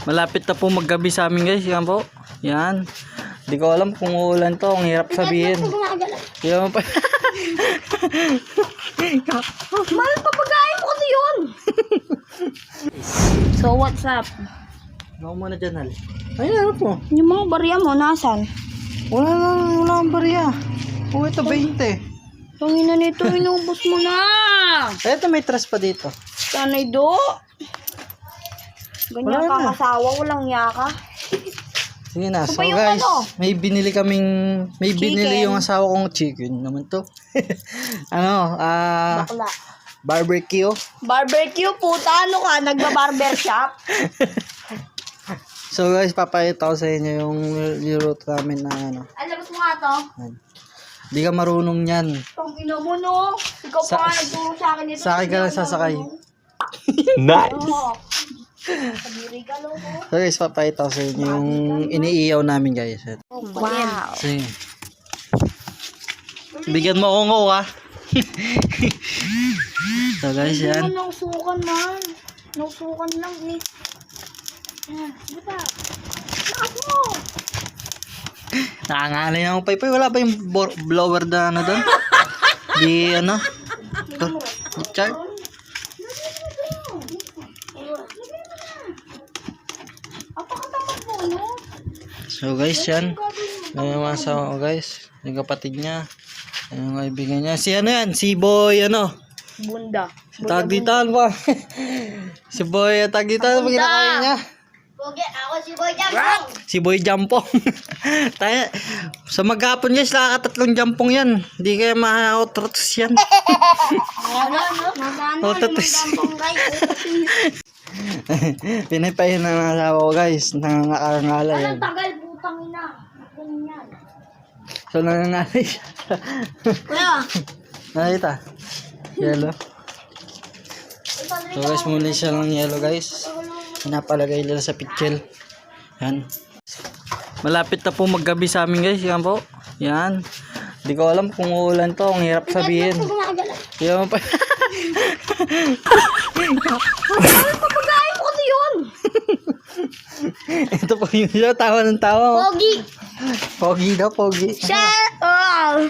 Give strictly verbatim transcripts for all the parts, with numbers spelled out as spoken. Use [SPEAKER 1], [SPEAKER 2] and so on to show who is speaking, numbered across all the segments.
[SPEAKER 1] Malapit na po maggabi sa amin guys. Yan po. Yan. Hindi ko alam kung uulan to. Ang hirap sabihin. Yan pa.
[SPEAKER 2] Mahal pa pagkain mo kasi yun. So what's up?
[SPEAKER 1] Ako muna dyan, Hal. Ayun, ano po?
[SPEAKER 2] Yung mga barya mo, nasan?
[SPEAKER 1] Wala na, wala akong bariya. Oh, ito, twenty.
[SPEAKER 2] Yung ina nito, inubos mo na.
[SPEAKER 1] Ito, may trust pa dito.
[SPEAKER 2] Sanay do. Ganyan
[SPEAKER 1] Wala
[SPEAKER 2] ka
[SPEAKER 1] na.
[SPEAKER 2] kasawa, walang yaka.
[SPEAKER 1] Sige na. So
[SPEAKER 2] pa yung
[SPEAKER 1] guys,
[SPEAKER 2] ano?
[SPEAKER 1] may binili kaming, may binili
[SPEAKER 2] Chicken.
[SPEAKER 1] yung asawa kong chicken naman to. ano, ah,
[SPEAKER 2] Bakla.
[SPEAKER 1] barbecue.
[SPEAKER 2] Barbecue, puta, ano ka? Nagba-barber shop?
[SPEAKER 1] So guys, papayita ko sa inyo yung niluto namin na ano.
[SPEAKER 2] Alabas mo nga to.
[SPEAKER 1] Hindi ka marunong yan.
[SPEAKER 2] Pang ina mo, no? Ikaw
[SPEAKER 1] Sa-
[SPEAKER 2] pa nga nagturo sa akin dito.
[SPEAKER 1] Sa akin ka lang sasakay.
[SPEAKER 3] Nice.
[SPEAKER 2] Oo. Sabiri ka, loko.
[SPEAKER 1] So guys, papayita ko sa inyo yung iniiyaw namin guys.
[SPEAKER 2] Wow.
[SPEAKER 1] Sige. Bigyan mo akong ko ha. So guys,
[SPEAKER 2] Hindi
[SPEAKER 1] yan.
[SPEAKER 2] mo nausukan, man. Nausukan lang, eh. Yan, di ba? Lakas mo.
[SPEAKER 1] Nakangalay na akong paypay. Wala ba yung bor- blower na ano doon? Di ano? Char?
[SPEAKER 2] Apakatamad mo, no?
[SPEAKER 1] So guys, yan. Yan yung mga asawa ko guys. Yung kapatid niya. Yan yung kaibigan niya. Si ano yan? Si Boy ano?
[SPEAKER 2] Bunda.
[SPEAKER 1] Tag dito ano ba? Si Boy tag dito ano ba kinakain niya?
[SPEAKER 2] Pogi, ako si Boy Jampong.
[SPEAKER 1] Si Boy Jampong. Tayo, sa maghapon guys, nakakatatlong jampong yan. Hindi kaya ma-outrots yan.
[SPEAKER 2] Ano, ano? Magano,
[SPEAKER 1] Outrots.
[SPEAKER 2] Jampong, guys.
[SPEAKER 1] Pinapahin na ng asawa ko guys. Nangangakalay yan.
[SPEAKER 2] Anong tagal, putang ina? Ganyan.
[SPEAKER 1] So nangangalay siya.
[SPEAKER 2] Kuya.
[SPEAKER 1] Nakita? Yellow. So guys, muli siya ng yellow guys. Pinapalagay nila sa pitchel. Yan. Malapit na po maggabi sa amin guys. Yan po. Yan. Hindi ko alam kung uulan to. Ang hirap sabihin. Yan pa.
[SPEAKER 2] Mahal pa pagkain mo kasi yun.
[SPEAKER 1] Ito po yung siya. Tawa ng tawa.
[SPEAKER 2] Pogi.
[SPEAKER 1] Pogi daw, pogi.
[SPEAKER 2] Shut up.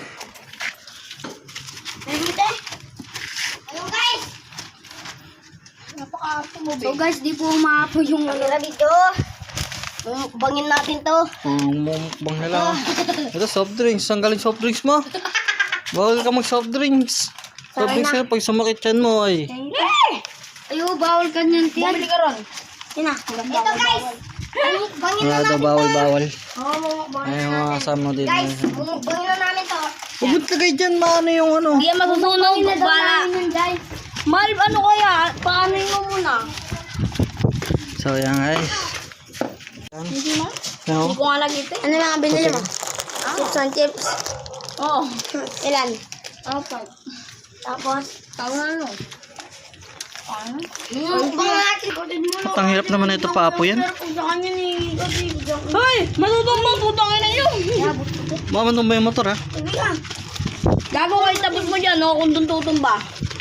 [SPEAKER 2] Nagmite. Ano guys? Napaka-apo mo, so guys, di po umaapo yung ano dito. Bangin natin to.
[SPEAKER 1] Ang mukbang nila. Ito soft drinks. Saan galing soft drinks mo? Bawal ka mag soft drinks. Soft drinks na pag sumakit yan mo ay.
[SPEAKER 2] Ayo, bawal ka niyan, tiyan. Bumili ka ron. Yan na. Ito guys. Bangin
[SPEAKER 1] Wala daw bawal bawal.
[SPEAKER 2] Oo,
[SPEAKER 1] Ay, yung mga kasama dito.
[SPEAKER 2] guys, bangin na namin to.
[SPEAKER 1] Huwag ka kayo dyan, maano yung ano.
[SPEAKER 2] Hindi yan masusunog. Bala. Mal, ano kaya? Paano mo muna?
[SPEAKER 1] So, yan guys.
[SPEAKER 2] Hindi na?
[SPEAKER 1] No?
[SPEAKER 2] Hindi ko nga lagi ito. Ano lang ang binili mo? Chips and chips. Oo. Ilan? Apat. Tapos? Tawag na ano? Paano? Ang pangatin ko din mo.
[SPEAKER 1] At ang hirap naman na ito paapo yan.
[SPEAKER 2] Sa kanya ni Hoy! Matutong mo! Putang ina nyo!
[SPEAKER 1] Mamandong ba yung motor ha?
[SPEAKER 2] Sige ka. Gago kayo tapos mo dyan, no? Kung dun tutumba.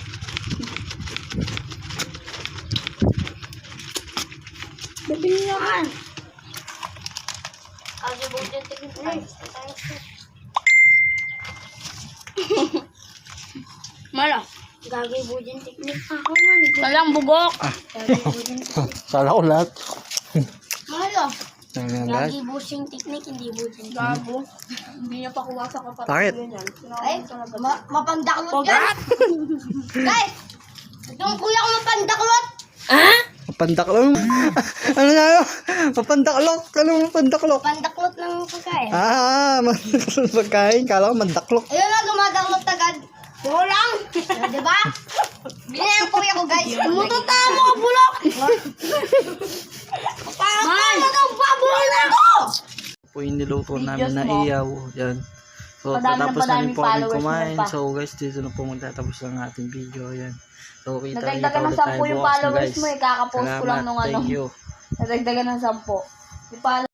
[SPEAKER 2] Bibili na ka. Kasi buti tigil. Mala. Gagay budin teknik ako nga. Talang bugok.
[SPEAKER 1] Sala ko lahat.
[SPEAKER 2] Mala.
[SPEAKER 1] Yan yan lahat.
[SPEAKER 2] Gagay busing teknik, hindi budin. Gago. Hindi niya pa kuha sa kapatid.
[SPEAKER 1] Bakit?
[SPEAKER 2] Ay, ma mapandaklot yan. Guys, yung kuya ko mapandaklot. Ha?
[SPEAKER 1] Mapandaklok. Ano na yun? Mapandaklok. Ano mapandaklok?
[SPEAKER 2] Pandaklot ng pagkain.
[SPEAKER 1] Ah, mandaklok pagkain. Kala ko mandaklok.
[SPEAKER 2] Ayun na, dumadaklot agad. Oo lang. Diba? Bili ang kuya ko, guys. Tumututa mo ka, bulok. Parang ang pabulok na ako.
[SPEAKER 1] Po yung niluto namin na iyaw. Yan. So,
[SPEAKER 2] Madami na
[SPEAKER 1] tapos
[SPEAKER 2] madami
[SPEAKER 1] namin po kami
[SPEAKER 2] followers
[SPEAKER 1] kumain.
[SPEAKER 2] mo pa.
[SPEAKER 1] So, guys, dito na po magtatapos ang ating video. Yan. So, kita kita
[SPEAKER 2] Nadagdagan ng
[SPEAKER 1] ulit
[SPEAKER 2] sampu
[SPEAKER 1] tayo
[SPEAKER 2] yung
[SPEAKER 1] bukas na
[SPEAKER 2] followers
[SPEAKER 1] guys.
[SPEAKER 2] mo eh. Kakapost ko lang
[SPEAKER 1] Salamat.
[SPEAKER 2] nung ano.
[SPEAKER 1] Thank you.
[SPEAKER 2] Nadagdagan ng sampu. Yung follow-